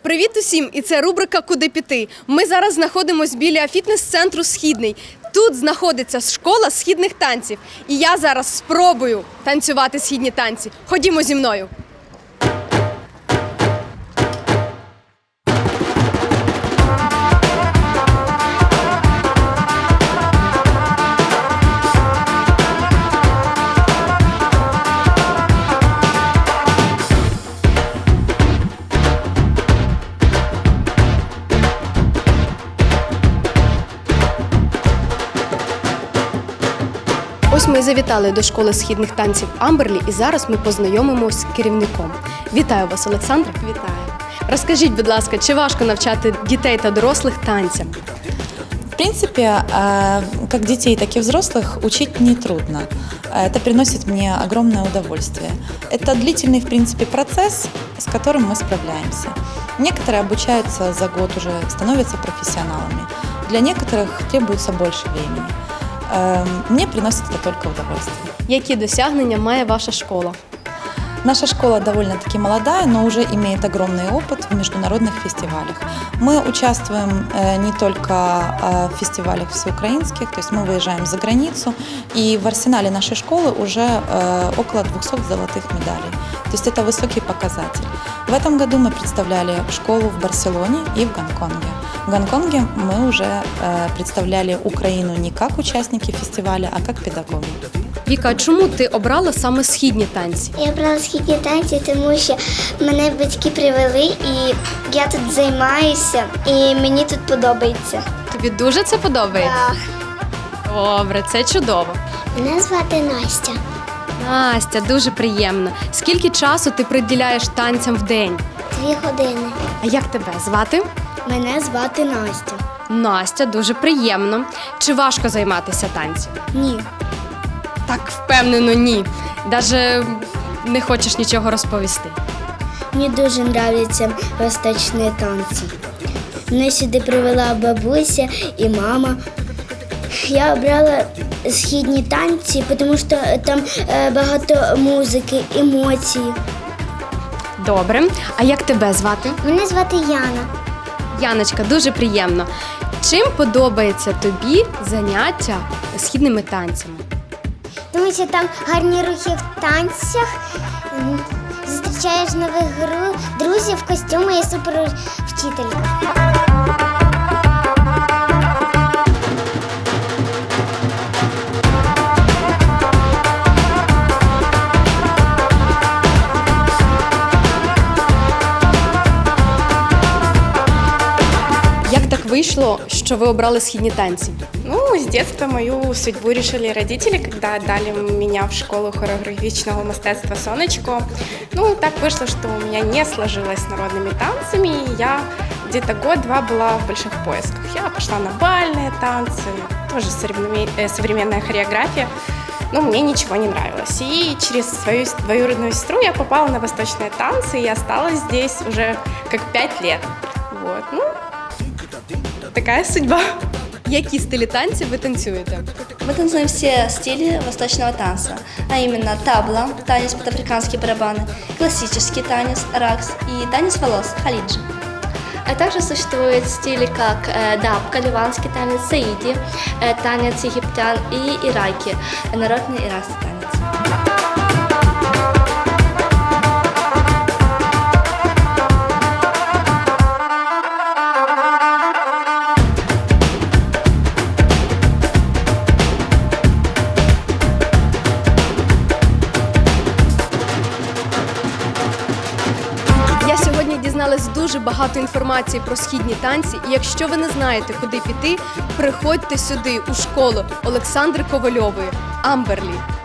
Привіт усім! І це рубрика «Куди піти?». Ми зараз знаходимося біля фітнес-центру «Східний». Тут знаходиться школа східних танців. І я зараз спробую танцювати східні танці. Ходімо зі мною. Ось ми і завітали до школи східних танців Амберлі, і зараз ми познайомимося з керівником. Вітаю вас, Олександра. Вітаю. Розкажіть, будь ласка, чи важко навчати дітей та дорослих танцям? В принципе, как детей, так и взрослых учить нетрудно. Это приносит мне огромное удовольствие. Это длительный, в принципе, процесс, с которым мы справляемся. Некоторые обучаются за год уже, становятся профессионалами. Для некоторых требуется больше времени. Мне приносит это только удовольствие. Які досягнення має ваша школа? Наша школа довольно-таки молодая, но уже имеет огромный опыт в международных фестивалях. Мы участвуем не только в фестивалях всеукраинских, то есть мы выезжаем за границу, и в арсенале нашей школы уже около 200 золотых медалей. То есть это высокий показатель. В этом году мы представляли школу в Барселоне и в Гонконге. В Гонконге мы уже представляли Украину не как участники фестиваля, а как педагоги. Віка, а чому ти обрала саме східні танці? Я обрала східні танці, тому що мене батьки привели, і я тут займаюся, і мені тут подобається. Тобі дуже це подобається? Так. Добре, це чудово. Мене звати Настя. Настя, дуже приємно. Скільки часу ти приділяєш танцям в день? 2 години. А як тебе звати? Мене звати Настя. Настя, дуже приємно. Чи важко займатися танцем? Ні. Так, впевнено, ні. Даже не хочеш нічого розповісти. Мені дуже подобаються восточні танці. Мене сюди привела бабуся і мама. Я обрала східні танці, тому що там багато музики, емоцій. Добре. А як тебе звати? Мене звати Яна. Яночка, дуже приємно. Чим подобається тобі заняття східними танцями? Тому що там гарні рухи в танцях, зустрічаєш нових друзів, костюми і супервчителька. Як так вийшло, що ви обрали східні танці? Ну, с детства мою судьбу решили родители, когда отдали меня в школу хореографичного мастерства «Сонечко». Ну, так вышло, что у меня не сложилось с народными танцами, и я где-то год-два была в больших поисках. Я пошла на бальные танцы, тоже современная хореография, но мне ничего не нравилось. И через свою двоюродную сестру я попала на восточные танцы и осталась здесь уже как 5 лет. Вот, ну, такая судьба. Які стилі танців ви танцюєте? Мы танцуем все стили восточного танца, а именно табла, танец под африканские барабаны, классический танец, ракс и танец волос, халиджи. А также существуют стили как дабка, ливанский танец, саиди, танец египтян и ираки, народный иракский танец. Сьогодні дізналась дуже багато інформації про східні танці, і якщо ви не знаєте, куди піти, приходьте сюди у школу Олександри Ковальової «Амберлі».